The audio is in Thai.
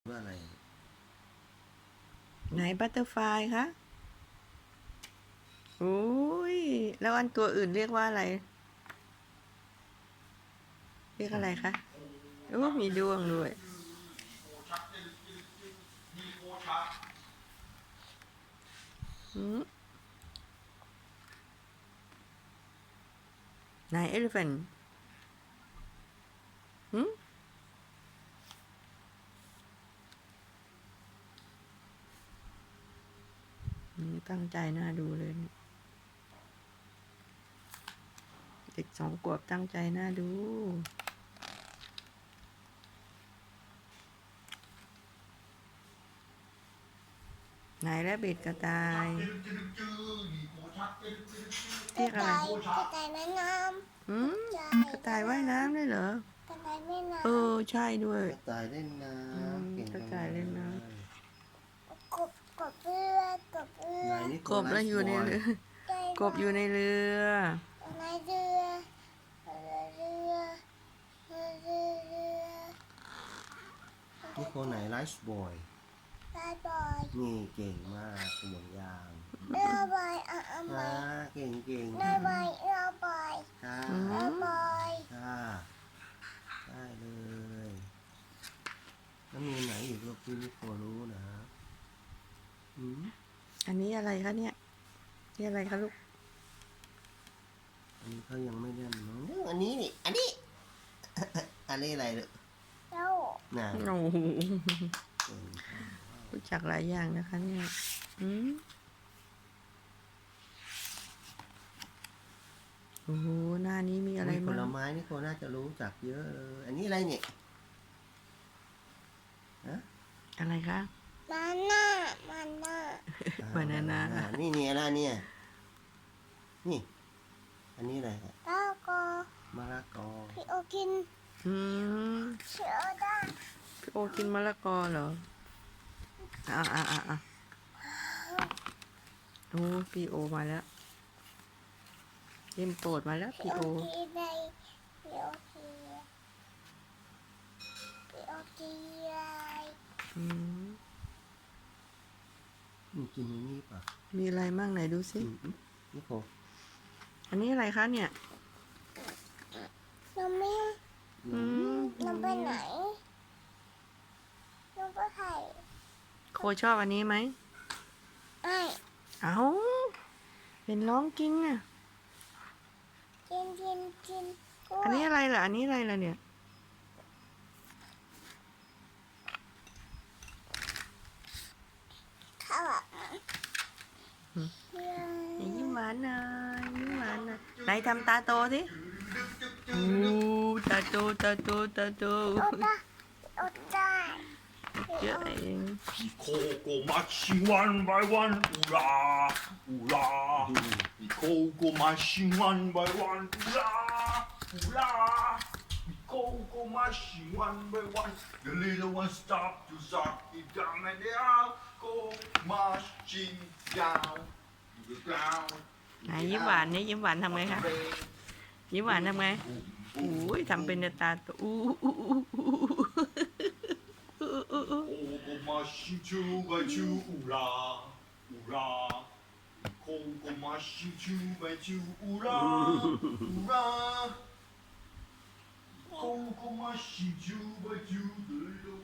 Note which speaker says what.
Speaker 1: ว่าอะไร
Speaker 2: ไหนบัตเตอร์ฟลายคะโอ้ยแล้วอันตัวอื่นเรียกว่าอะไรเรียกอะไรคะโอ้มีดวงด้วยไหนเอลิเฟนนี่ตั้งใจน่าดูเลยเด็ก2 ขวบตั้งใจน่าดูไหนแล้วเบ็ดกระต่ายเรียกอะไร
Speaker 3: กระต่ายแม่น้
Speaker 2: กระต่ายว่ายน้ำได้เหรอ
Speaker 3: ำกระต่ายแม่น้
Speaker 2: ใช่ด้วย
Speaker 1: กระต่ายเล่นน้ำเก่ง
Speaker 2: กระ
Speaker 1: จัง
Speaker 2: ต่ายเล่นน้
Speaker 3: ำกบเรือกบเรือ
Speaker 2: กบแล้วอยู่ในเรือกบอยู่ในเรือ
Speaker 3: ในเรือเรือ
Speaker 1: นี่คนไหนไลฟ์บอย
Speaker 3: ลายบอย
Speaker 1: นี่เก่งมากห่วงยาง
Speaker 3: เรือบอย
Speaker 1: ค่ะเก่งเก่ง
Speaker 3: เรือบอยเรือบอย
Speaker 1: ค่ะ
Speaker 3: เรือบอย
Speaker 1: ค่ะได้เลยแล้วมีไหนอีกลูกที่นิโครู้นะ
Speaker 2: อันนี้อะไรคะเนี่ยนี่อะไรคะลูก
Speaker 1: อันนี้เขายังไม่เล่นมั้งอันนี้นี่อันนี้ อันนี้อะไรลูก
Speaker 3: เจ้า
Speaker 1: น่ะ
Speaker 2: โอ้โหรู้จักหลายอย่างนะคะเนี่ยโอ้โหหน้านี้มีอะไร
Speaker 1: ผ
Speaker 2: บ้าง
Speaker 1: ลไม้นี่โคน่าจะรู้จักเยอะเลยอันนี้อะไรเนี่ยฮะ
Speaker 2: อะไรคะ
Speaker 3: มันน่ามันน่า
Speaker 2: บานาน่า
Speaker 1: นี่เนี่ยอะไรเนี่ยนี่อันนี้อะไรครับ
Speaker 3: แล้วก็
Speaker 1: มะละกอ
Speaker 3: พี่โอกินพี่โอได้
Speaker 2: พี่โอกินมะละกอเหรอโอ้พี่โอมาแล้วเล่มโปรดมาแล้วพี่โอ
Speaker 3: กินได้พี่โอกินพี่โอกิน
Speaker 1: นี่กินอย่างนี้ป่ะ
Speaker 2: มีอะไรมั่งไหนดูสิ
Speaker 1: นี่โค
Speaker 2: อันนี้อะไรคะเนี่ย
Speaker 3: น้ำมิ้งน้ำไปไหนน้ำไปไข่
Speaker 2: โคชอบอันนี้ไหม
Speaker 3: ไม่
Speaker 2: เอาเป็นร้องกิ้งอ่ะ
Speaker 3: กิน
Speaker 2: อันนี้อะไรล่ะอันนี้อะไรล่ะเนี่ย
Speaker 3: ข้าว
Speaker 2: ยิ้มหวานหน่อยยิ้มหวานหน่อยไหนทำตาโตสิตาโตตาโตตาโต
Speaker 3: อดได้
Speaker 2: เยอะเอง
Speaker 4: Picoco machine one by one, hurrah, hurrah. Picoco machine one by one, hurrah, hurrah. Picoco machine one by one. The little one stop to suck it down and they all go marching down to the ground.
Speaker 2: ไหนยิ้มหวานนี่ยิ้มหวานทำไงคะยิ้มหวานทำไงอุ้ยทำเป็นตาโต
Speaker 4: Machine two by two, hurrah, hurrah. Coco machine two by two, hurrah, hurrah. Coco machine two by two, the little